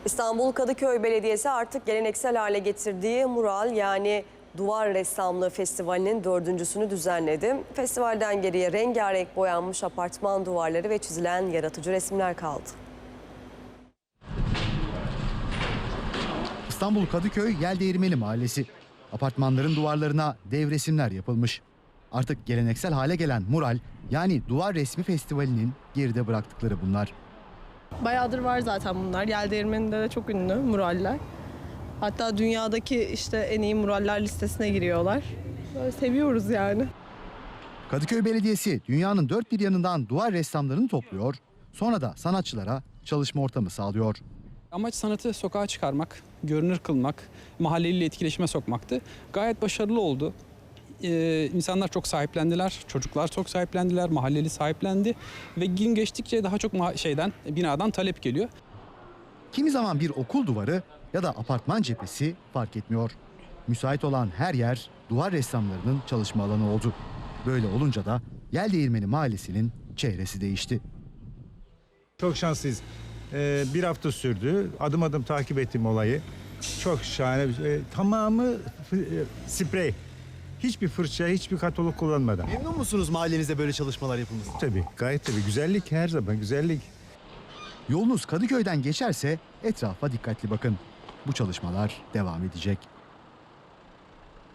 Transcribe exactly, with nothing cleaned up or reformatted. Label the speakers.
Speaker 1: İstanbul Kadıköy Belediyesi artık geleneksel hale getirdiği mural yani duvar ressamlığı festivalinin dördüncüsünü düzenledi. Festivalden geriye rengarenk boyanmış apartman duvarları ve çizilen yaratıcı resimler kaldı.
Speaker 2: İstanbul Kadıköy Yeldeğirmeni Mahallesi. Apartmanların duvarlarına dev resimler yapılmış. Artık geleneksel hale gelen mural yani duvar resmi festivalinin geride bıraktıkları bunlar.
Speaker 3: Bayağıdır var zaten bunlar. Yeldeğirmeni'nde de çok ünlü muraller. Hatta dünyadaki işte en iyi muraller listesine giriyorlar. Böyle seviyoruz yani.
Speaker 2: Kadıköy Belediyesi dünyanın dört bir yanından duvar ressamlarını topluyor, sonra da sanatçılara çalışma ortamı sağlıyor.
Speaker 4: Amaç sanatı sokağa çıkarmak, görünür kılmak, mahalleliyle etkileşime sokmaktı. Gayet başarılı oldu. Ee, insanlar çok sahiplendiler, çocuklar çok sahiplendiler, mahalleli sahiplendi ve gün geçtikçe daha çok şeyden, binadan talep geliyor.
Speaker 2: Kimi zaman bir okul duvarı ya da apartman cephesi fark etmiyor. Müsait olan her yer duvar ressamlarının çalışma alanı oldu. Böyle olunca da Yeldeğirmeni Mahallesi'nin çehresi değişti.
Speaker 5: Çok şanslıyız. Ee, bir hafta sürdü. Adım adım takip ettim olayı. Çok şahane. E, tamamı e, sprey. Hiçbir fırça, hiçbir katalog kullanmadan.
Speaker 6: Memnun musunuz mahallenizde böyle çalışmalar yapılması?
Speaker 5: Tabii, gayet tabii. Güzellik her zaman, güzellik.
Speaker 2: Yolunuz Kadıköy'den geçerse etrafa dikkatli bakın. Bu çalışmalar devam edecek.